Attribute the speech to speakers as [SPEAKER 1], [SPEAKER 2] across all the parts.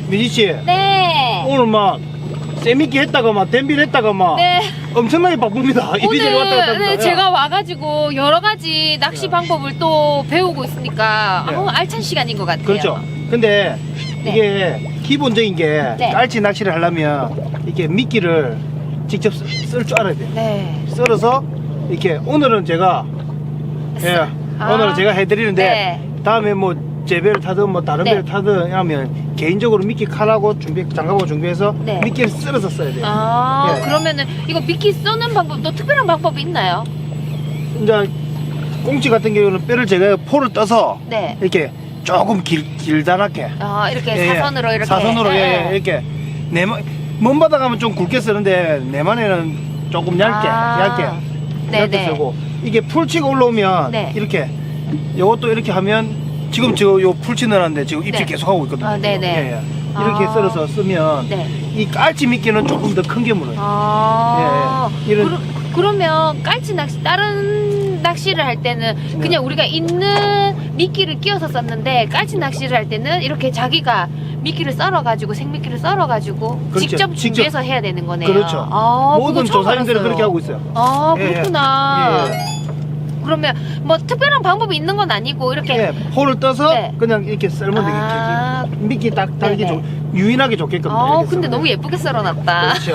[SPEAKER 1] 민지씨.
[SPEAKER 2] 네.
[SPEAKER 1] 오늘 막 세미끼 했다가 막 댐빌 했다가 막
[SPEAKER 2] 네.
[SPEAKER 1] 엄청나게 바쁩니다. 이리저리 왔다 갔다 합니다.
[SPEAKER 2] 네, 제가 와가지고 여러 가지 낚시 방법을 또 배우고 있으니까
[SPEAKER 1] 네.
[SPEAKER 2] 알찬 시간인 것 같아요.
[SPEAKER 1] 그렇죠. 근데
[SPEAKER 2] 네.
[SPEAKER 1] 이게 기본적인 게
[SPEAKER 2] 네.
[SPEAKER 1] 깔치 낚시를 하려면 이렇게 미끼를 직접 쓸 줄 알아야 돼요.
[SPEAKER 2] 네.
[SPEAKER 1] 썰어서 이렇게 오늘은 제가 오늘은 제가 해드리는데
[SPEAKER 2] 네.
[SPEAKER 1] 다음에 뭐 제배를 타든 뭐 다른
[SPEAKER 2] 네.
[SPEAKER 1] 배를 타든 하면 개인적으로 미끼 칼하고 장갑하고 준비해서
[SPEAKER 2] 네.
[SPEAKER 1] 미끼를 썰어서 써야 돼요. 네.
[SPEAKER 2] 그러면은 이거 미끼 써는 방법 또 특별한 방법이 있나요?
[SPEAKER 1] 이제 꽁치 같은 경우는 뼈를 제가 포를 떠서
[SPEAKER 2] 네.
[SPEAKER 1] 이렇게 조금 길다랗게
[SPEAKER 2] 이렇게
[SPEAKER 1] 예, 예.
[SPEAKER 2] 사선으로 이렇게.
[SPEAKER 1] 사선으로
[SPEAKER 2] 네.
[SPEAKER 1] 이렇게 먼 바다 가면 좀 굵게 쓰는데 내만에는 조금 얇게
[SPEAKER 2] 네네.
[SPEAKER 1] 쓰고 이게 풀치가 올라오면
[SPEAKER 2] 네.
[SPEAKER 1] 이렇게 요것도 이렇게 하면 지금 요 풀치 넣었는데 지금 입질
[SPEAKER 2] 네.
[SPEAKER 1] 계속 하고 있거든요.
[SPEAKER 2] 네네.
[SPEAKER 1] 예, 예. 이렇게 썰어서 쓰면
[SPEAKER 2] 네.
[SPEAKER 1] 이 깔치 미끼는 조금 더 큰 게 물어요. 예, 예. 이런
[SPEAKER 2] 그러면 깔치 낚시 다른 낚시를 할 때는 그냥 우리가 있는 미끼를 끼워서 썼는데 깔치 낚시를 할 때는 이렇게 자기가 미끼를 썰어가지고 생미끼를 썰어가지고
[SPEAKER 1] 그렇죠.
[SPEAKER 2] 직접 준비해서 해야 되는 거네요.
[SPEAKER 1] 그렇죠. 모든 조사님들은 그렇게 하고 있어요.
[SPEAKER 2] 그렇구나.
[SPEAKER 1] 예, 예.
[SPEAKER 2] 그러면 뭐 특별한 방법이 있는 건 아니고 이렇게
[SPEAKER 1] 예, 포를 떠서
[SPEAKER 2] 네.
[SPEAKER 1] 그냥 이렇게 썰면 되겠지. 미끼 딱 달기
[SPEAKER 2] 네네.
[SPEAKER 1] 유인하게 좋게끔. 이렇게
[SPEAKER 2] 근데
[SPEAKER 1] 썰어요.
[SPEAKER 2] 너무 예쁘게 썰어놨다.
[SPEAKER 1] 그렇죠.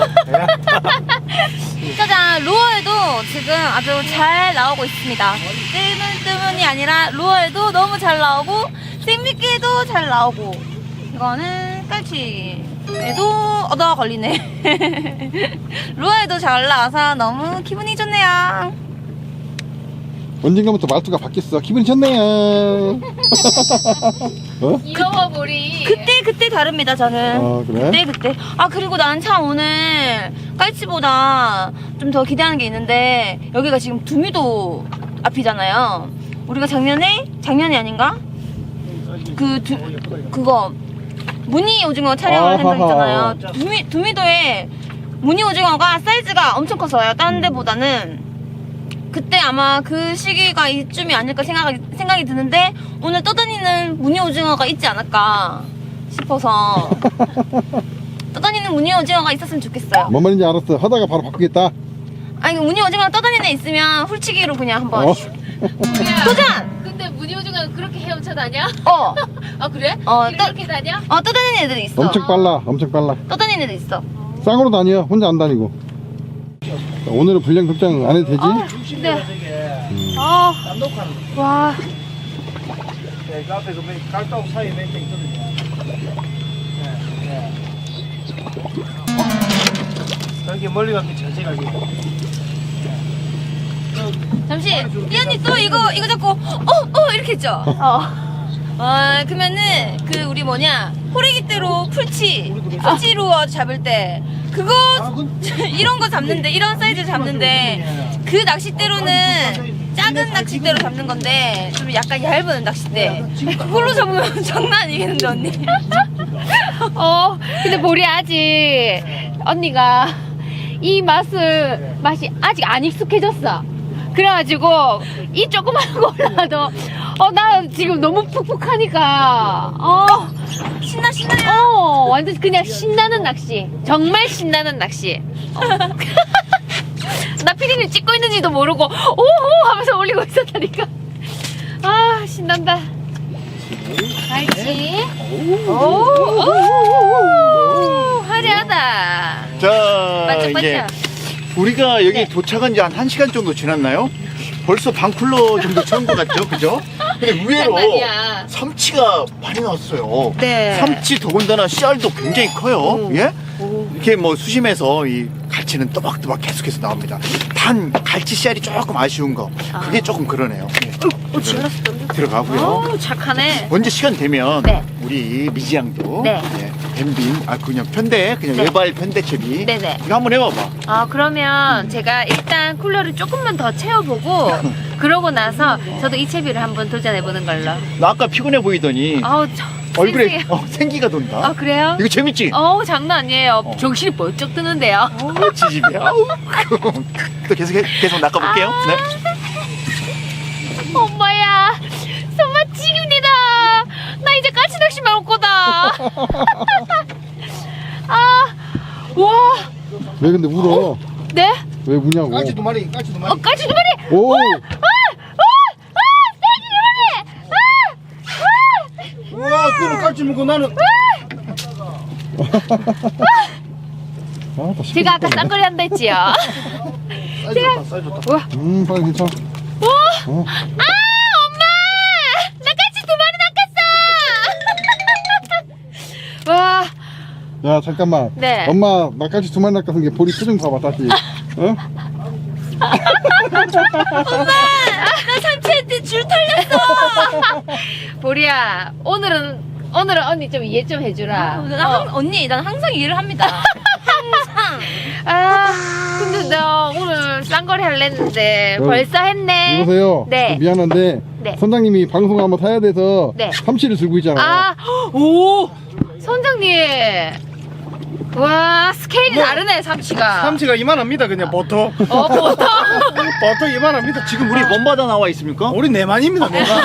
[SPEAKER 1] 예.
[SPEAKER 3] 짜잔, 루어에도 지금 아주 잘 나오고 있습니다. 뜨문뜨문이 아니라 루어에도 너무 잘 나오고 생미끼에도 잘 나오고 이거는 깔치에도 얻어 걸리네. 루어에도 잘 나와서 너무 기분이 좋네요.
[SPEAKER 4] 언젠가부터 말투가 바뀌었어. 기분이 좋네요. 어?
[SPEAKER 2] 잃어버리.
[SPEAKER 3] 그때 다릅니다, 저는.
[SPEAKER 4] 그래?
[SPEAKER 3] 그때. 그리고 나는 참 오늘 깔치보다 좀 더 기대하는 게 있는데, 여기가 지금 두미도 앞이잖아요. 우리가 작년이 아닌가? 그거, 무늬 오징어 촬영을 한 적 있잖아요. 두미도에 무늬 오징어가 사이즈가 엄청 컸어요. 다른 데보다는. 그때 아마 그 시기가 이쯤이 아닐까 생각이 드는데, 오늘 떠다니는 무늬 오징어가 있지 않을까 싶어서 떠다니는 무늬 오징어가 있었으면 좋겠어요.
[SPEAKER 4] 뭔 말인지 알았어. 하다가 바로 바꾸겠다.
[SPEAKER 3] 아니 무늬 오징어 떠다니는 애 있으면 훌치기로 그냥 한번 도전!
[SPEAKER 2] 근데 무늬 오징어가 그렇게 헤엄쳐 다녀? 그래? 이렇게 다녀?
[SPEAKER 3] 떠다니는 애들이 있어.
[SPEAKER 4] 엄청 빨라.
[SPEAKER 3] 떠다니는 애들 있어.
[SPEAKER 4] 쌍으로 다녀. 혼자 안 다니고. 자, 오늘은 분량 걱정 안 해도 되지?
[SPEAKER 2] 네. 와.
[SPEAKER 1] 네, 그 앞에 그 깔따구 사이에 멘트 있거든요. 여기 멀리 가면 전체 가기.
[SPEAKER 3] 잠시 이 언니 또 이거 잡고 이렇게 했죠? 그러면은 우리 호래기대로 풀치로 잡을 때 그거 이런 거 잡는데 이런 사이즈 잡는데 그 낚싯대로는 작은 낚싯대로 잡는 건데 좀 약간 얇은 낚싯대 그걸로 잡으면 장난 아니겠는데 언니?
[SPEAKER 2] 근데 보리 아직 언니가 이 맛이 아직 안 익숙해졌어. 그래가지고 이 조그만 거 올라도 나 지금 너무 푹푹하니까
[SPEAKER 3] 신나요?
[SPEAKER 2] 완전 그냥 신나는 낚시. 정말 신나는 낚시. 나 피디님 찍고 있는지도 모르고 오호 하면서 올리고 있었다니까. 신난다. 알지? 오, 화려하다.
[SPEAKER 5] 자,
[SPEAKER 2] 반짝반짝.
[SPEAKER 5] 이제 우리가 여기
[SPEAKER 2] 네.
[SPEAKER 5] 도착한 지 한 1시간 정도 지났나요? 벌써 반쿨러 정도 채운 것 같죠? 그죠? 근데 의외로
[SPEAKER 2] 장난이야.
[SPEAKER 5] 삼치가 많이 나왔어요.
[SPEAKER 2] 네.
[SPEAKER 5] 삼치 더군다나 씨알도 굉장히 커요. 예? 이렇게 뭐 수심에서 이 갈치는 또박또박 계속해서 나옵니다. 단 갈치 씨알이 조금 아쉬운 거. 그게 조금 그러네요. 들어가고요.
[SPEAKER 2] 착하네.
[SPEAKER 5] 언제 시간 되면
[SPEAKER 2] 네.
[SPEAKER 5] 우리 미지 양도
[SPEAKER 2] 네.
[SPEAKER 5] 뱀빙 그냥 편대 그냥
[SPEAKER 2] 네.
[SPEAKER 5] 외발 편대채비
[SPEAKER 2] 네네.
[SPEAKER 5] 이거 한번 해봐봐.
[SPEAKER 2] 그러면 제가 일단 쿨러를 조금만 더 채워보고 그러고 나서 저도 이 채비를 한번 도전해보는 걸로.
[SPEAKER 5] 나 아까 피곤해 보이더니 얼굴에
[SPEAKER 2] 쌩쌩해.
[SPEAKER 5] 생기가 돈다.
[SPEAKER 2] 그래요?
[SPEAKER 5] 이거 재밌지?
[SPEAKER 2] 장난 아니에요. 정신이 번쩍 드는데요.
[SPEAKER 5] 지집이야. 또 계속 낚아볼게요. 네.
[SPEAKER 2] 엄마야, 손맛 지깁니다. 나 이제 까치 낚시만 올 거다.
[SPEAKER 4] 왜 근데 울어?
[SPEAKER 2] 네?
[SPEAKER 4] 왜 우냐고?
[SPEAKER 1] 깔치 두 마리.
[SPEAKER 2] 깔치 두 마리!
[SPEAKER 4] 오!
[SPEAKER 1] 우와, 그는 깔치 먹고 나는.
[SPEAKER 4] 아, 다
[SPEAKER 2] 제가 아까 쌍거리 한다 했지요?
[SPEAKER 1] 사이즈 좋다, 사이즈 좋다.
[SPEAKER 2] 우와.
[SPEAKER 4] 빨리 괜찮아.
[SPEAKER 2] 오!
[SPEAKER 4] 어.
[SPEAKER 2] 아, 엄마! 나 깔치 두 마리 낚았어! 와,
[SPEAKER 4] 야, 잠깐만.
[SPEAKER 2] 네.
[SPEAKER 4] 엄마, 나까지 두 마리 낚아서 게 보리 표정 봐봐, 다시. 어?
[SPEAKER 3] 나 삼치한테 줄 털렸어.
[SPEAKER 2] 보리야, 오늘은 언니 좀 이해 좀 해주라.
[SPEAKER 3] 언니, 난 항상 일을 합니다. 항상.
[SPEAKER 2] 아, 근데 나 오늘 쌍거리 할랬는데
[SPEAKER 4] 어,
[SPEAKER 2] 벌써 했네.
[SPEAKER 4] 이보세요.
[SPEAKER 2] 네.
[SPEAKER 4] 미안한데,
[SPEAKER 2] 네.
[SPEAKER 4] 선장님이 방송 한번 타야 돼서
[SPEAKER 2] 네.
[SPEAKER 4] 삼치를 들고 있잖아.
[SPEAKER 2] 아, 오! 선장님. 와, 스케일이 다르네, 삼치가.
[SPEAKER 1] 삼치가 이만합니다, 그냥 보통.
[SPEAKER 2] 보통.
[SPEAKER 1] 보통 이만합니다.
[SPEAKER 5] 지금 우리 먼바다 나와 있습니까?
[SPEAKER 1] 우리 네만입니다, 네만.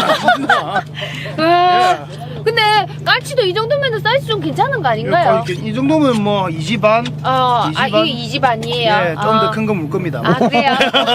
[SPEAKER 2] 와, 근데 깔치도 이 정도면 사이즈 좀 괜찮은 거 아닌가요?
[SPEAKER 1] 이 정도면 뭐 2지 반?
[SPEAKER 2] 이게 2집 아니에요?
[SPEAKER 1] 예, 좀 더 큰 거 물 겁니다.
[SPEAKER 2] 아, 그래요?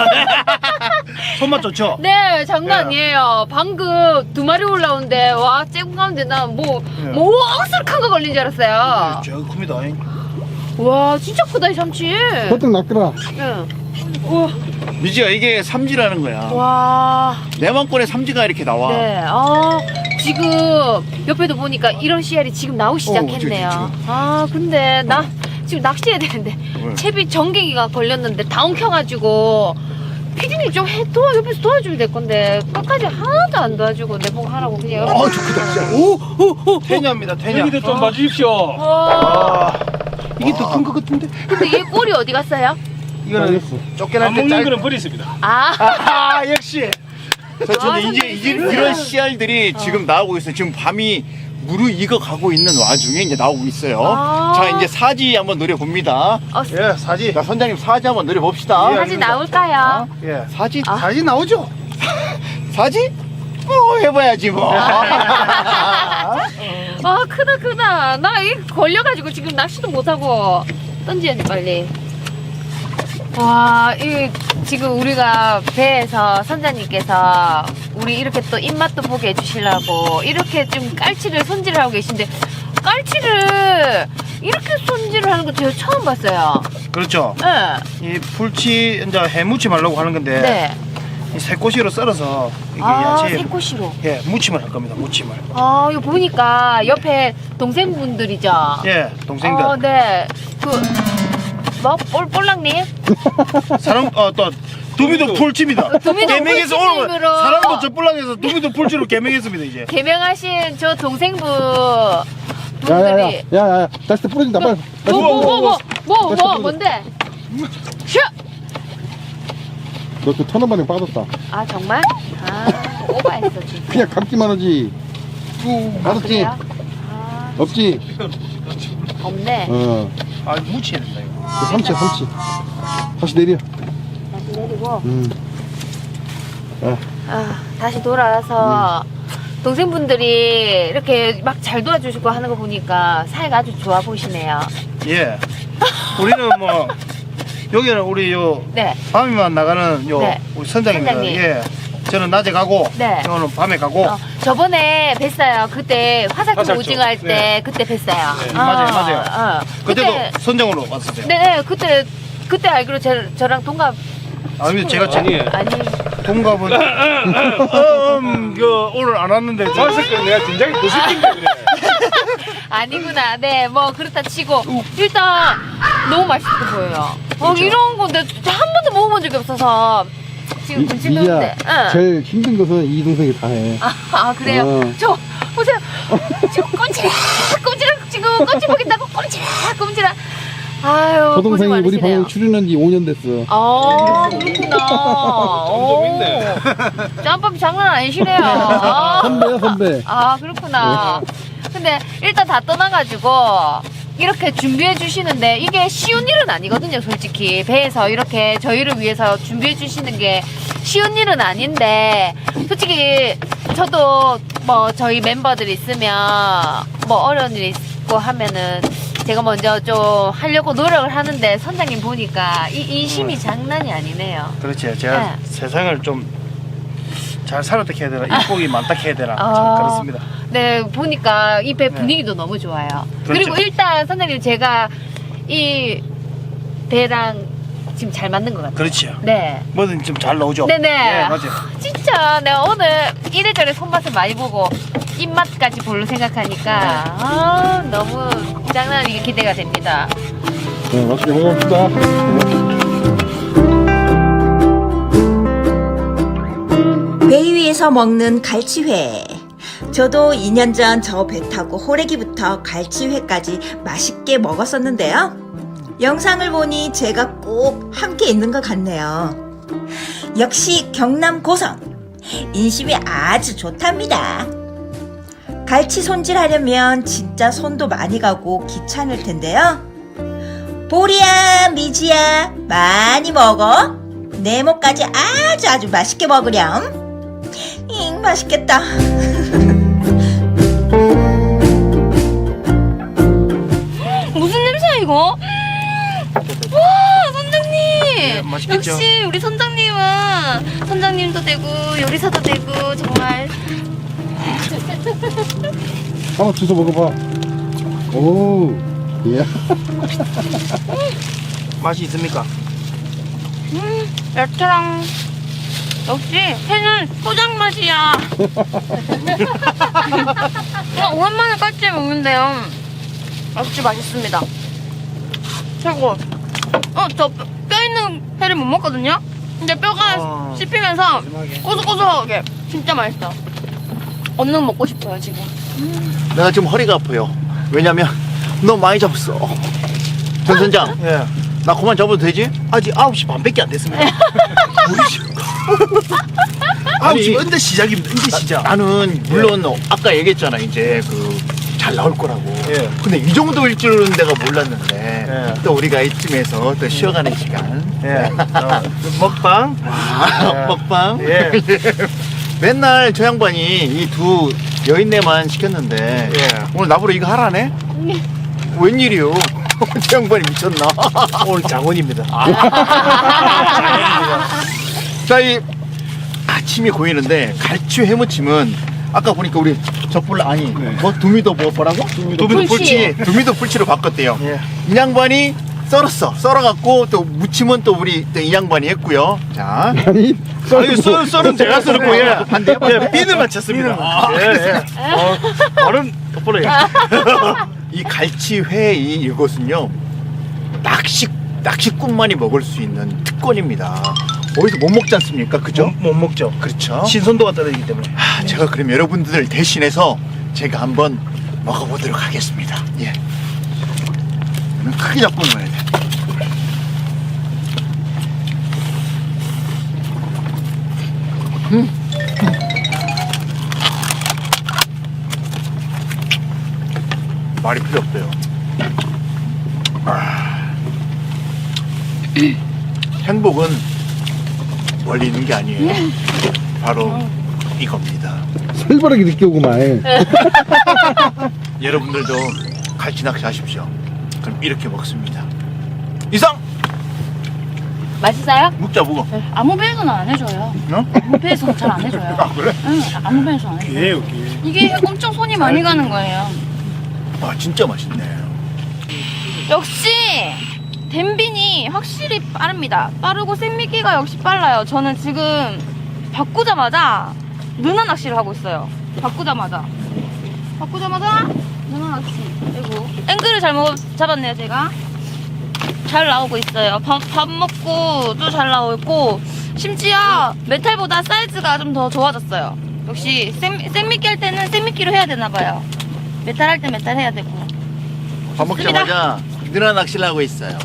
[SPEAKER 1] 손맛 좋죠?
[SPEAKER 2] 네, 장난
[SPEAKER 1] 예.
[SPEAKER 2] 아니에요. 방금 두 마리 올라오는데, 와, 쬐고 가운데 나 뭐
[SPEAKER 1] 예.
[SPEAKER 2] 억수로 큰 거 걸린 줄 알았어요.
[SPEAKER 1] 저 큽니다.
[SPEAKER 2] 와, 진짜 크다, 이 삼치.
[SPEAKER 4] 버뜩 낚으라.
[SPEAKER 2] 응. 우와,
[SPEAKER 5] 미지야, 이게 삼지라는 거야.
[SPEAKER 2] 와.
[SPEAKER 5] 내만권에 삼지가 이렇게 나와.
[SPEAKER 2] 네, 지금 옆에도 보니까 이런 씨알이 지금 나오기 시작했네요. 아, 근데 나 지금 낚시해야 되는데
[SPEAKER 5] 왜?
[SPEAKER 2] 채비 전갱이가 걸렸는데 다 엉켜가지고 피디님 좀 옆에서 도와주면 될 건데 끝까지 하나도 안 도와주고 내보고 하라고 그냥.
[SPEAKER 5] 아, 좋겠다, 진짜.
[SPEAKER 1] 태냐입니다, 태냐.
[SPEAKER 6] 여기도 좀 봐주십시오.
[SPEAKER 2] 와,
[SPEAKER 1] 이게 더 큰 것 같은데?
[SPEAKER 2] 근데 얘 꼬리 어디 갔어요?
[SPEAKER 1] 이거는
[SPEAKER 4] 알겠어.
[SPEAKER 1] 쫓겨날
[SPEAKER 6] 안
[SPEAKER 1] 때
[SPEAKER 6] 먹는
[SPEAKER 1] 짧.
[SPEAKER 6] 거는 버리십니다.
[SPEAKER 2] 아,
[SPEAKER 1] 역시.
[SPEAKER 5] 저는 이제 이런 씨알들이 지금 나오고 있어요. 지금 밤이 무르익어 가고 있는 와중에 이제 나오고 있어요.
[SPEAKER 2] 아.
[SPEAKER 5] 자, 이제 사지 한번 노려봅니다.
[SPEAKER 1] 예, 사지.
[SPEAKER 5] 자, 선장님 사지 한번 노려봅시다.
[SPEAKER 1] 예.
[SPEAKER 2] 다시 나올까요?
[SPEAKER 1] 예.
[SPEAKER 5] 사지?
[SPEAKER 1] 사지 나오죠?
[SPEAKER 5] 사지? 해봐야지 뭐.
[SPEAKER 2] 아, 크다. 나 이 걸려가지고 지금 낚시도 못하고 던져야 돼, 빨리. 와, 이 지금 우리가 배에서 선장님께서 우리 이렇게 또 입맛도 보게 해주시려고 이렇게 좀 깔치를 손질을 하고 계신데 깔치를 이렇게 손질을 하는 거 제가 처음 봤어요.
[SPEAKER 1] 그렇죠.
[SPEAKER 2] 네.
[SPEAKER 1] 이 풀치 이제 해무침 하려고 하는 건데
[SPEAKER 2] 네.
[SPEAKER 1] 이 새꼬시로 썰어서 이게 야채
[SPEAKER 2] 새꼬시로.
[SPEAKER 1] 예, 무침을 할 겁니다. 무침을.
[SPEAKER 2] 아, 이거 보니까 옆에 동생분들이죠.
[SPEAKER 1] 예, 동생들.
[SPEAKER 2] 네. 볼랑님?
[SPEAKER 1] 사람 또 두미도 풀칩니다.
[SPEAKER 2] 두미도
[SPEAKER 1] 개명해서 오늘
[SPEAKER 2] 풀침으로.
[SPEAKER 1] 사람도 저 뿔랑해서 두미도 풀치로 개명했습니다 이제.
[SPEAKER 2] 개명하신 저 동생분
[SPEAKER 4] 야야야,
[SPEAKER 2] 분들이
[SPEAKER 4] 야야야, 다시 또 부러진다. 빨리. 다시
[SPEAKER 2] 뭔데? 슈!
[SPEAKER 4] 너그 터널반에 빠졌다.
[SPEAKER 2] 아, 정말? 아, 오버했어 진짜.
[SPEAKER 4] 그냥 감기만 하지. 알았지?
[SPEAKER 2] 그래요? 아,
[SPEAKER 4] 없지?
[SPEAKER 2] 없네.
[SPEAKER 4] 어.
[SPEAKER 1] 아, 무치해야 된다 이거.
[SPEAKER 4] 그 삼치야, 삼치. 다시 내려.
[SPEAKER 2] 다시 내리고 다시 돌아와서 동생분들이 이렇게 막 잘 도와주시고 하는 거 보니까 사이가 아주 좋아 보이시네요.
[SPEAKER 1] 예. 우리는 뭐 여기는 우리 요
[SPEAKER 2] 네.
[SPEAKER 1] 밤에만 나가는 요
[SPEAKER 2] 네.
[SPEAKER 1] 우리 선장님들.
[SPEAKER 2] 선장님.
[SPEAKER 1] 예. 저는 낮에 가고
[SPEAKER 2] 네.
[SPEAKER 1] 오늘 밤에 가고.
[SPEAKER 2] 저번에 뵀어요. 그때 화살표
[SPEAKER 6] 화살표.
[SPEAKER 2] 오징어 할 때
[SPEAKER 6] 네.
[SPEAKER 2] 그때 뵀어요.
[SPEAKER 1] 맞아요. 그때도 선장으로 왔었어요.
[SPEAKER 2] 네, 그때 알기로 저랑 동갑.
[SPEAKER 1] 아니 제가
[SPEAKER 6] 아니에요.
[SPEAKER 2] 아니,
[SPEAKER 1] 동갑은 오늘 안 왔는데 저
[SPEAKER 6] 봤을 때 내가 긴장이 더 시킨다 그래.
[SPEAKER 2] 아니구나. 네, 뭐 그렇다 치고 일단 너무 맛있어 보여요. 이런 거 내가 한 번도 먹어본 적이 없어서 지금 군침
[SPEAKER 4] 미야,
[SPEAKER 2] 도는데. 응.
[SPEAKER 4] 제일 힘든 것은 이 동생이 다 해.
[SPEAKER 2] 아, 그래요?
[SPEAKER 4] 어.
[SPEAKER 2] 저 보세요. 지금 꼼지락 지금 꼼지 보겠다고 꼼지락. 아유,
[SPEAKER 4] 저 동생이
[SPEAKER 2] 고생
[SPEAKER 4] 우리
[SPEAKER 2] 많으시네요.
[SPEAKER 4] 방송 출연한 지 5년 됐어.
[SPEAKER 2] 아, 그렇구나.
[SPEAKER 6] 좀 있네.
[SPEAKER 2] 짬밥이 장난 아니시네요. 아,
[SPEAKER 4] 선배야, 선배.
[SPEAKER 2] 아, 그렇구나. 근데 일단 다 떠나가지고 이렇게 준비해 주시는데 이게 쉬운 일은 아니거든요, 솔직히. 배에서 이렇게 저희를 위해서 준비해 주시는 게 쉬운 일은 아닌데, 솔직히 저도 뭐 저희 멤버들 있으면 뭐 어려운 일 있고 하면은 제가 먼저 좀 하려고 노력을 하는데 선장님 보니까 이 인심이 장난이 아니네요.
[SPEAKER 1] 그렇지. 제가
[SPEAKER 2] 네.
[SPEAKER 1] 세상을 좀 잘 살았다 해야 되나, 이복이 많다 해야 되나, 참
[SPEAKER 2] 아.
[SPEAKER 1] 그렇습니다.
[SPEAKER 2] 네, 보니까 이 배
[SPEAKER 1] 네.
[SPEAKER 2] 분위기도 너무 좋아요.
[SPEAKER 1] 그렇죠.
[SPEAKER 2] 그리고 일단 선장님 제가 이 배랑 지금 잘 맞는 것 같아요.
[SPEAKER 1] 그렇지요.
[SPEAKER 2] 네.
[SPEAKER 1] 뭐든 좀 잘 나오죠.
[SPEAKER 2] 네네.
[SPEAKER 1] 네, 맞아요.
[SPEAKER 2] 진짜 내가 오늘 이래저래 손맛을 많이 보고 입맛까지 볼로 생각하니까 너무 장난 아니게 기대가 됩니다.
[SPEAKER 4] 네, 맛있게 먹어봅시다.
[SPEAKER 7] 배 위에서 먹는 갈치회. 저도 2년 전 저 배 타고 호래기부터 갈치회까지 맛있게 먹었었는데요. 영상을 보니 제가 꼭 함께 있는 것 같네요. 역시 경남 고성. 인심이 아주 좋답니다. 갈치 손질하려면 진짜 손도 많이 가고 귀찮을 텐데요. 보리야, 미지야, 많이 먹어. 네모까지 아주 맛있게 먹으렴. 맛있겠다.
[SPEAKER 3] 무슨 냄새야 이거? 와 선장님.
[SPEAKER 1] 네, 맛있겠죠?
[SPEAKER 3] 역시 우리 선장님은 선장님도 되고 요리사도 되고 정말.
[SPEAKER 4] 한번 주워 먹어봐. 오, 예.
[SPEAKER 1] 맛이 있습니까?
[SPEAKER 3] 야채랑 역시 회는 소장 맛이야. 그냥 오랜만에 깔치 먹는데요. 역시 맛있습니다. 최고. 저 뼈 있는 회를 못 먹거든요. 근데 뼈가 씹히면서
[SPEAKER 1] 마지막에.
[SPEAKER 3] 고소고소하게 진짜 맛있어. 얼른 먹고 싶어요 지금.
[SPEAKER 5] 내가 지금 허리가 아파요. 왜냐면 너무 많이 잡았어. 전 선장,
[SPEAKER 1] 예.
[SPEAKER 5] 나 그만 잡아도 되지?
[SPEAKER 1] 아직 9시 반밖에 안 됐습니다. 우리 지금 9시 언제 시작입니다. 언제 시작.
[SPEAKER 5] 나는 물론 아까 얘기했잖아 이제 잘 나올 거라고.
[SPEAKER 1] 예.
[SPEAKER 5] 근데 이 정도일 줄은 내가 몰랐는데
[SPEAKER 1] 예.
[SPEAKER 5] 또 우리가 이쯤에서 또 쉬어가는 시간.
[SPEAKER 1] 예. 먹방.
[SPEAKER 5] 아, 먹방.
[SPEAKER 1] 예.
[SPEAKER 5] 맨날 저 양반이 이 두 여인네만 시켰는데
[SPEAKER 1] 예.
[SPEAKER 5] 오늘 나보러 이거 하라네? 웬일이요? 저 양반이 미쳤나?
[SPEAKER 1] 오늘 장원입니다.
[SPEAKER 5] 자, 이 아침이 고이는데 갈치 회무침은 아까 보니까 우리 적불라 아니 뭐 두미도 뭐라고?
[SPEAKER 1] 두미도 풀치.
[SPEAKER 5] 두미도 풀치로 바꿨대요.
[SPEAKER 1] 예.
[SPEAKER 5] 이 양반이 썰어갖고 또 무침은 또 우리 또 이 양반이 했고요. 자,
[SPEAKER 4] 아니,
[SPEAKER 1] 아니, 썰은 제가 썰었고, 예.
[SPEAKER 5] 한 대.
[SPEAKER 1] 예, 비늘 맞췄습니다. 예, 예. 발음 똑바로 해.
[SPEAKER 5] 이 갈치회 이것은요 낚시꾼만이 먹을 수 있는 특권입니다. 어디서 못 먹지 않습니까? 그죠?
[SPEAKER 1] 못 먹죠.
[SPEAKER 5] 그렇죠.
[SPEAKER 1] 신선도가 떨어지기 때문에.
[SPEAKER 5] 제가 그럼 여러분들 대신해서 제가 한번 먹어보도록 하겠습니다. 예. 크게 잡고 먹어야 돼. 말이 필요 없어요. 행복은 멀리 있는 게 아니에요. 바로 이겁니다.
[SPEAKER 4] 살벌하게 느껴오구만.
[SPEAKER 5] 여러분들도 갈치 낚시 하십시오. 그럼 이렇게 먹습니다. 이상!
[SPEAKER 2] 맛있어요?
[SPEAKER 5] 묵자 묵어.
[SPEAKER 3] 아무 배에서는 안 해줘요.
[SPEAKER 5] 어?
[SPEAKER 3] 아무 배에서는 잘 안 해줘요.
[SPEAKER 5] 아 그래?
[SPEAKER 3] 응, 아무 배에서 안 해줘요.
[SPEAKER 1] 기회요, 기회.
[SPEAKER 3] 이게 엄청 손이 많이 가는 거예요.
[SPEAKER 5] 아 진짜 맛있네.
[SPEAKER 3] 역시 댐빈이 확실히 빠릅니다. 빠르고 생미끼가 역시 빨라요. 저는 지금 바꾸자마자 누나 낚시를 하고 있어요. 바꾸자마자 누나 낚시. 그리고 앵글을 잘못 잡았네요 제가. 잘 나오고 있어요. 밥 먹고 또 잘 나오고 심지어 메탈보다 사이즈가 좀 더 좋아졌어요. 역시 생미끼 할 때는 생미끼로 해야 되나 봐요. 메탈 할 때 메탈 해야 되고.
[SPEAKER 5] 밥 먹자마자 누나 낚시를 하고 있어요.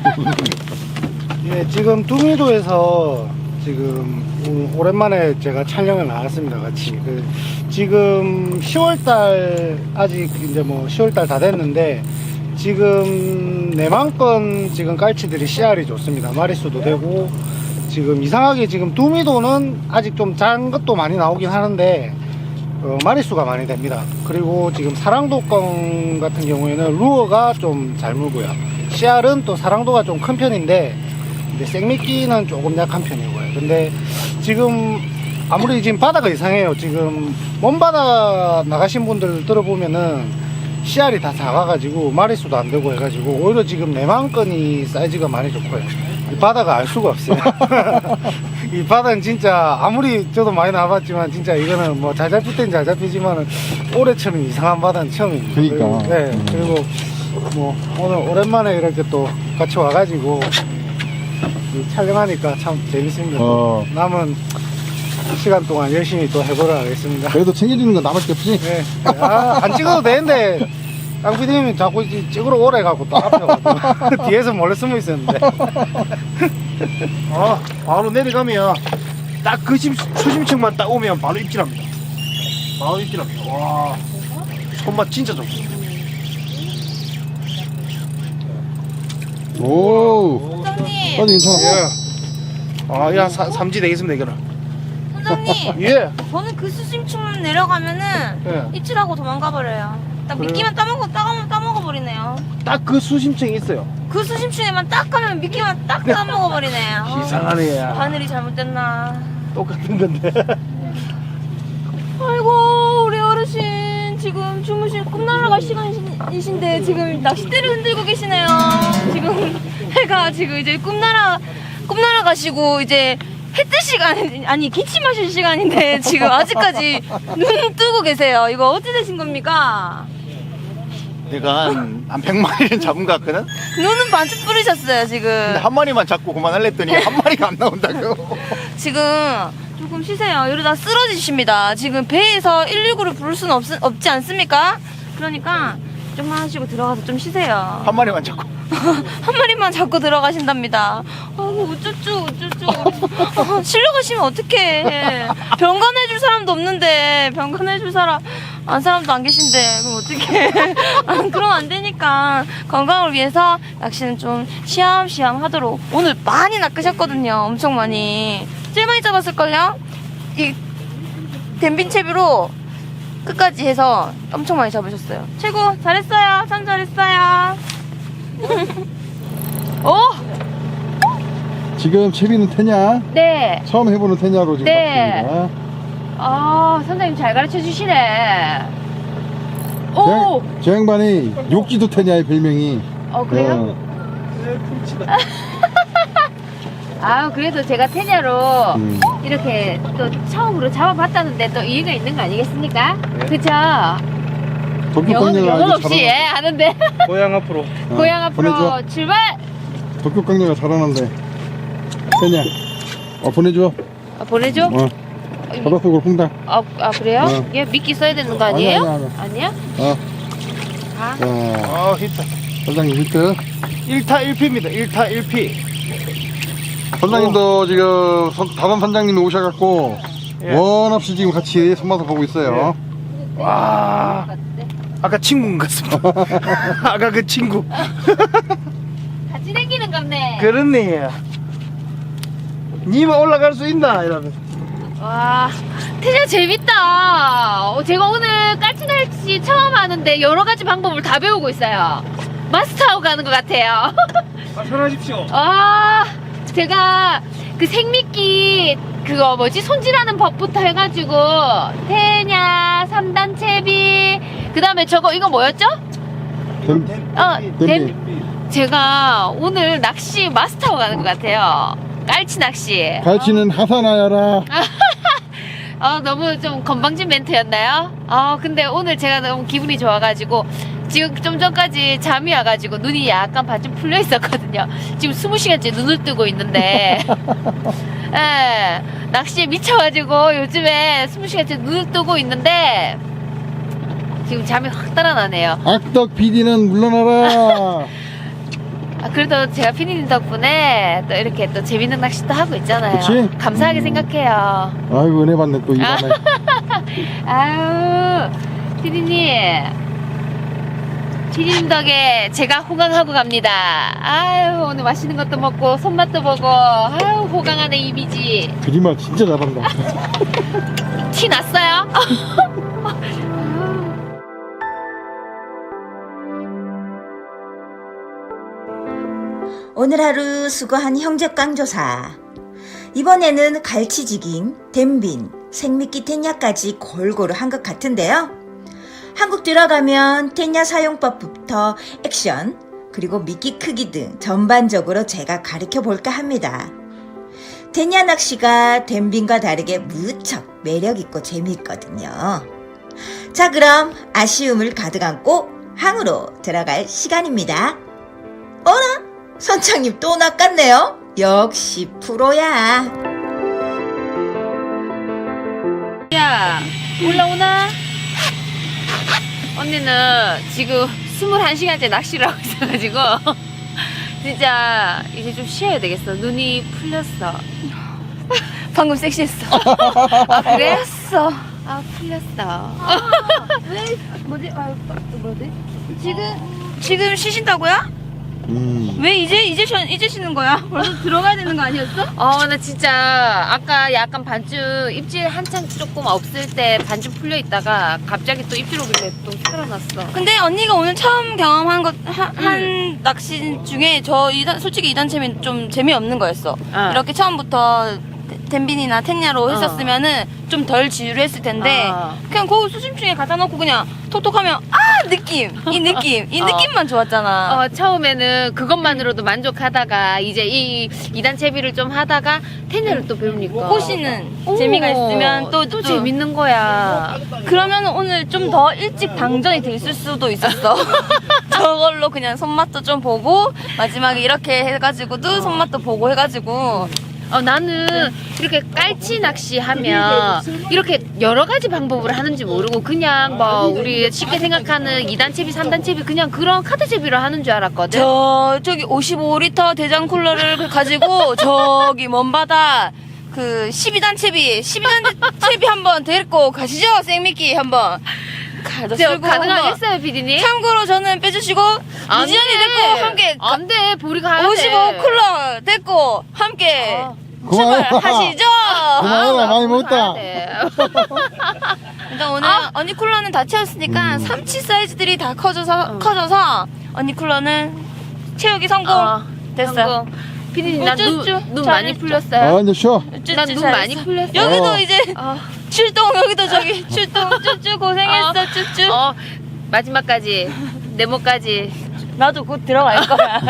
[SPEAKER 8] 예, 지금 두미도에서 지금 오랜만에 제가 촬영을 나왔습니다, 같이. 지금 10월달, 아직 이제 뭐 10월달 다 됐는데, 지금 내만건 지금 깔치들이 씨알이 좋습니다. 마리수도 되고, 지금 이상하게 지금 두미도는 아직 좀 작은 것도 많이 나오긴 하는데, 마리수가 많이 됩니다. 그리고 지금 사랑도권 같은 경우에는 루어가 좀 잘 물고요. CR은 또 사랑도가 좀 큰 편인데 근데 생미끼는 조금 약한 편이고요. 근데 지금 아무리 지금 바다가 이상해요. 지금 먼바다 나가신 분들 들어보면은 CR이 다 작아가지고 마리수도 안 되고 해가지고 오히려 지금 내만건이 사이즈가 많이 좋고요. 이 바다가 알 수가 없어요. 이 바다는 진짜 아무리 저도 많이 나와봤지만 진짜 이거는 뭐 잘 잡힐 땐 잘 잡히지만은 올해처럼 이상한 바다는 처음입니다.
[SPEAKER 4] 그러니까.
[SPEAKER 8] 그리고, 네. 그리고 뭐 오늘 오랜만에 이렇게 또 같이 와가지고 촬영하니까 참 재밌습니다. 남은 시간 동안 열심히 또 해보도록 하겠습니다.
[SPEAKER 4] 그래도 챙겨주는 건 나밖에 없지?
[SPEAKER 8] 네. 안 찍어도 되는데 깡피디님이 자꾸 찍으러 오래 가고 또 앞에 가고 뒤에서 몰래 숨어 있었는데.
[SPEAKER 1] 바로 내려가면 딱 그 수심층만 딱 오면 바로 입질합니다. 바로 입질합니다. 와, 손맛 진짜 좋습니다.
[SPEAKER 4] 오.
[SPEAKER 3] 선장님,
[SPEAKER 4] 아니, 괜찮아.
[SPEAKER 1] 아, 야, 삼지 되겠습니다, 이거는.
[SPEAKER 3] 선장님.
[SPEAKER 1] 예.
[SPEAKER 3] 저는 그 수심층 내려가면은
[SPEAKER 1] 예.
[SPEAKER 3] 입질하고 도망가 버려요. 딱
[SPEAKER 1] 그래요?
[SPEAKER 3] 미끼만 따먹어 버리네요.
[SPEAKER 1] 딱 그 수심층이 있어요.
[SPEAKER 3] 그 수심층에만 딱 가면 미끼만 딱 따먹어 버리네요.
[SPEAKER 1] 이상하네.
[SPEAKER 3] 바늘이 잘못됐나.
[SPEAKER 1] 똑같은 건데.
[SPEAKER 3] 아이고 우리 어르신 지금 주무실 꿈나라갈 시간이신데 지금 낚싯대를 흔들고 계시네요. 지금 해가 지금 이제 꿈나라 가시고 이제 해 뜰 시간 아니 기침하실 시간인데 지금 아직까지 눈 뜨고 계세요. 이거 어찌 되신 겁니까?
[SPEAKER 5] 내가 한 100마리는 잡은 것 같거든?
[SPEAKER 3] 눈은 반쯤 뿌리셨어요 지금.
[SPEAKER 5] 근데 한 마리만 잡고 그만할랬더니 한 마리가 안 나온다고.
[SPEAKER 3] 지금 조금 쉬세요. 이러다 쓰러지십니다. 지금 배에서 119를 부를 수는 없지 않습니까? 그러니까 좀만 하시고 들어가서 좀 쉬세요.
[SPEAKER 5] 한 마리만 잡고.
[SPEAKER 3] 한 마리만 잡고 들어가신답니다. 아이고 어쩌죠. 실려 가시면 어떡해. 병간해줄 사람도 없는데 병간해줄 사람도 안 계신데 그럼 어떡해. 그러면 안 되니까 건강을 위해서 낚시는 좀 시암시암 하도록. 오늘 많이 낚으셨거든요. 엄청 많이. 제일 많이 잡았을걸요? 이 댐빈채비로 끝까지 해서 엄청 많이 잡으셨어요. 최고 잘했어요. 참 잘했어요. 오!
[SPEAKER 4] 지금 채비는 태냐?
[SPEAKER 2] 네.
[SPEAKER 4] 처음 해보는 태냐로 지금
[SPEAKER 2] 네.
[SPEAKER 4] 바쁩니다.
[SPEAKER 2] 아, 선생님 잘 가르쳐 주시네. 오!
[SPEAKER 4] 저 양반이 욕지도 태냐의 별명이.
[SPEAKER 2] 그래요? 아, 그래도 제가 테냐로 이렇게 또 처음으로 잡아봤다는데 또 이유가 있는 거 아니겠습니까? 그쵸? 영혼 없이 예, 하는데.
[SPEAKER 1] 고향 앞으로.
[SPEAKER 2] 고향 앞으로
[SPEAKER 4] 보내줘.
[SPEAKER 2] 출발!
[SPEAKER 4] 도쿄 강렬가 잘하는데. 태냐. 보내줘.
[SPEAKER 2] 보내줘?
[SPEAKER 4] 바닷속으로 퐁당.
[SPEAKER 2] 그래요?
[SPEAKER 4] 어.
[SPEAKER 2] 얘 미끼 써야 되는 거 아니에요?
[SPEAKER 4] 아니야.
[SPEAKER 2] 아?
[SPEAKER 4] 자,
[SPEAKER 1] 히트.
[SPEAKER 4] 선장님 히트.
[SPEAKER 1] 1타 1피입니다. 1타 1피.
[SPEAKER 4] 선장님도 지금 다른 선장님이 오셔갖고
[SPEAKER 1] 예.
[SPEAKER 4] 원 없이 지금 같이 손맛을 보고 있어요.
[SPEAKER 1] 와, 아까 친구인 것 같습니다. 아까 그 친구.
[SPEAKER 2] 같이 다니는 겁네.
[SPEAKER 1] 그렇네. 니만 올라갈 수 있나? 이러면서.
[SPEAKER 2] 와, 태자 재밌다. 제가 오늘 깔치날치 처음 하는데 여러 가지 방법을 다 배우고 있어요. 마스터하고 가는 것 같아요.
[SPEAKER 1] 편하십시오.
[SPEAKER 2] 제가 그 생미끼 그거 뭐지 손질하는 법부터 해가지고 태냐, 3단 채비, 그 다음에 저거 이거 뭐였죠? 제가 오늘 낚시 마스터하고 가는 것 같아요. 깔치 낚시.
[SPEAKER 4] 갈치는 하사나야라.
[SPEAKER 2] 너무 좀 건방진 멘트였나요? 근데 오늘 제가 너무 기분이 좋아가지고 지금 좀 전까지 잠이 와가지고 눈이 약간 반쯤 풀려 있었거든요. 지금 20시간째 눈을 뜨고 있는데 예, 낚시에 미쳐가지고 요즘에 20시간째 눈을 뜨고 있는데 지금 잠이 확 달아나네요.
[SPEAKER 4] 악덕 PD는 물러나라.
[SPEAKER 2] 그래도 제가 피디님 덕분에 또 이렇게 또 재밌는 낚시도 하고 있잖아요.
[SPEAKER 4] 그치?
[SPEAKER 2] 감사하게 생각해요.
[SPEAKER 4] 아이고 은혜 받네 또 이 밤에.
[SPEAKER 2] 아유, 피디님 덕에 제가 호강하고 갑니다. 아유, 오늘 맛있는 것도 먹고 손맛도 보고 아유, 호강하는 이미지.
[SPEAKER 4] 거짓말 진짜 잘한다.
[SPEAKER 2] 티 났어요?
[SPEAKER 7] 오늘 하루 수고한 형제 깡조사. 이번에는 갈치지깅, 댐빈, 생미끼 텐야까지 골고루 한 것 같은데요. 한국 들어가면 텐야 사용법부터 액션, 그리고 미끼 크기 등 전반적으로 제가 가르쳐 볼까 합니다. 텐야 낚시가 댐빈과 다르게 무척 매력있고 재미있거든요. 자, 그럼 아쉬움을 가득 안고 항으로 들어갈 시간입니다. 어라? 선장님 또 낚았네요. 역시 프로야.
[SPEAKER 2] 야, 올라오나? 언니는 지금 21시간째 낚시를 하고 있어가지고 진짜 이제 좀 쉬어야 되겠어. 눈이 풀렸어.
[SPEAKER 3] 방금 섹시했어.
[SPEAKER 2] 아, 그랬어. 아, 풀렸어.
[SPEAKER 3] 왜 뭐지? 지금 쉬신다고요? 왜 이제 쉬는 거야? 벌써 들어가야 되는 거 아니었어?
[SPEAKER 2] 나 진짜 아까 약간 반쯤 입질 한창 조금 없을 때 반쯤 풀려 있다가 갑자기 또 입질 오길래 또 살아났어.
[SPEAKER 3] 근데 언니가 오늘 처음 경험한 한 낚시 중에 솔직히 2단 채비는 좀 재미없는 거였어. 이렇게 처음부터 댐빈이나 텐야로 했었으면은 좀 덜 지루했을 텐데 그냥 거기 수심층에 갖다 놓고 그냥 톡톡하면 이 느낌만 좋았잖아.
[SPEAKER 2] 처음에는 그것만으로도 만족하다가 이제 이 2단 채비를 좀 하다가 텐야를 또 배우니까
[SPEAKER 3] 호시는 재미가 있으면 또
[SPEAKER 2] 재밌는 거야.
[SPEAKER 3] 그러면 오늘 좀 더 일찍 방전이 돼 있을 수도 있었어. 저걸로 그냥 손맛도 좀 보고 마지막에 이렇게 해가지고도 손맛도 보고 해가지고
[SPEAKER 2] 나는 이렇게 깔치 낚시 하면 이렇게 여러 가지 방법을 하는지 모르고 그냥 뭐 우리 쉽게 생각하는 2단 채비, 3단 채비 그냥 그런 카드 채비로 하는 줄 알았거든.
[SPEAKER 3] 저기 55리터 대장 쿨러를 가지고 저기 먼바다 그 12단 채비 한번 데리고 가시죠. 생미끼 한번
[SPEAKER 2] 가능하겠어요, 피디님?
[SPEAKER 3] 참고로 저는 빼주시고 이지연이 데리고 함께
[SPEAKER 2] 안 돼, 보리 가야 돼.
[SPEAKER 3] 55 쿨러 데리고 함께
[SPEAKER 4] 그만해.
[SPEAKER 3] 출발하시죠.
[SPEAKER 4] 그만해라, 많이 먹었다.
[SPEAKER 2] 가야 돼.
[SPEAKER 3] 일단 오늘 언니 쿨러는 다 채웠으니까 삼치 사이즈들이 다 커져서 언니 쿨러는 채우기 성공. 됐어.
[SPEAKER 2] 피디님, 나
[SPEAKER 3] 쭈쭈.
[SPEAKER 2] 눈 많이 풀렸어요.
[SPEAKER 4] 이제 쉬어.
[SPEAKER 2] 난 눈 많이 풀렸어.
[SPEAKER 3] 여기도 이제 출동 여기도 저기 출동 쭈쭈 고생했어 쭈쭈.
[SPEAKER 2] 마지막까지 네모까지.
[SPEAKER 3] 나도 곧 들어갈 거야.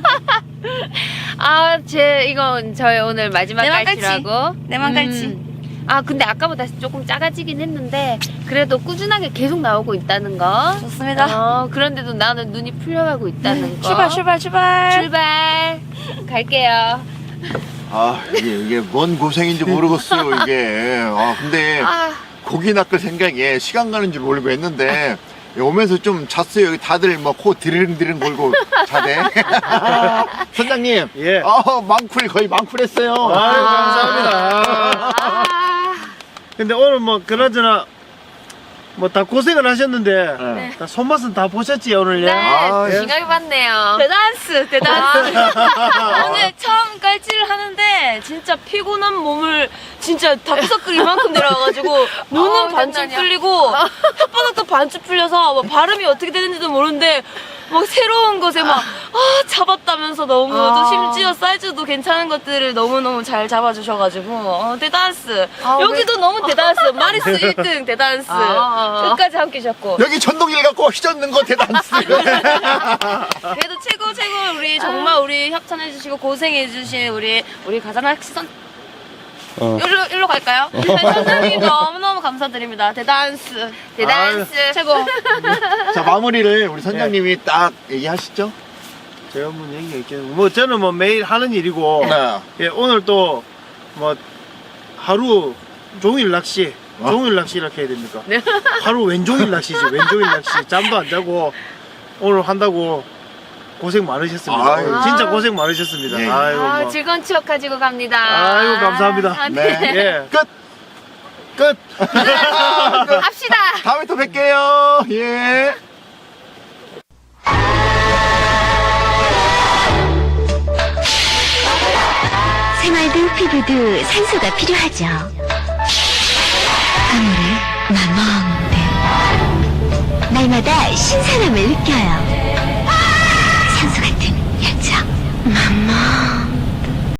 [SPEAKER 2] 이건 저의 오늘 마지막
[SPEAKER 3] 내만
[SPEAKER 2] 깔치라고.
[SPEAKER 3] 내만 깔치.
[SPEAKER 2] 근데 아까보다 조금 작아지긴 했는데 그래도 꾸준하게 계속 나오고 있다는 거.
[SPEAKER 3] 좋습니다.
[SPEAKER 2] 그런데도 나는 눈이 풀려가고 있다는 거. 출발. 갈게요.
[SPEAKER 5] 이게 뭔 고생인지 모르겠어요, 이게. 근데 고기 낚을 생각에 시간 가는 줄 모르고 했는데 오면서 좀 잤어요. 여기 다들 뭐 코 드르릉드릉 걸고 자대. 선장님.
[SPEAKER 1] 예.
[SPEAKER 5] 거의 망쿨했어요.
[SPEAKER 1] 아유, 감사합니다. 근데 오늘 뭐 그나저나 뭐 다 고생을 하셨는데
[SPEAKER 5] 네.
[SPEAKER 1] 다 손맛은 다 보셨지 오늘?
[SPEAKER 2] 네,
[SPEAKER 1] 예.
[SPEAKER 2] 지각이 봤네요.
[SPEAKER 3] 대단스. 오늘 처음 깔치를 하는데 진짜 피곤한 몸을 진짜 다크서클 이만큼 내려와가지고 눈은 반쯤 풀리고 혓바닥도 반쯤 풀려서 뭐 발음이 어떻게 되는지도 모르는데 막 새로운 것에 막 잡았다면서 너무 또 심지어 사이즈도 괜찮은 것들을 너무너무 잘 잡아주셔가지고 대단스. 여기도 너무 대단스. 마리스 1등 대단스. 끝까지 함께 셨고
[SPEAKER 5] 여기 전동일 갖고 휘젓는 거 대단스.
[SPEAKER 3] 그래도 최고 우리 정말 우리 협찬해주시고 고생해주신 우리 가자낚시선 일로 갈까요? 선생님 너무너무 감사드립니다. 대단스 최고.
[SPEAKER 5] 자, 마무리를 우리 선장님이 딱 얘기하시죠.
[SPEAKER 1] 제가 한번 얘기할게요. 뭐 저는 뭐 매일 하는 일이고 예, 오늘 또 뭐 하루 종일 낚시 종일 낚시 이렇게 해야 됩니까? 하루 왼종일 낚시지. 왼종일 낚시. 잠도 안 자고 오늘 한다고 고생 많으셨습니다.
[SPEAKER 5] 아유.
[SPEAKER 1] 진짜 고생 많으셨습니다.
[SPEAKER 5] 예.
[SPEAKER 1] 아이고 뭐.
[SPEAKER 2] 즐거운 추억 가지고 갑니다.
[SPEAKER 1] 아이고 감사합니다.
[SPEAKER 5] 네.
[SPEAKER 1] 예.
[SPEAKER 5] 끝.
[SPEAKER 2] 합시다.
[SPEAKER 5] 다음에 또 뵐게요. 예.
[SPEAKER 9] 생활도 피부도 산소가 필요하죠. 아무래 마멍대 날마다 신선함을 느껴요.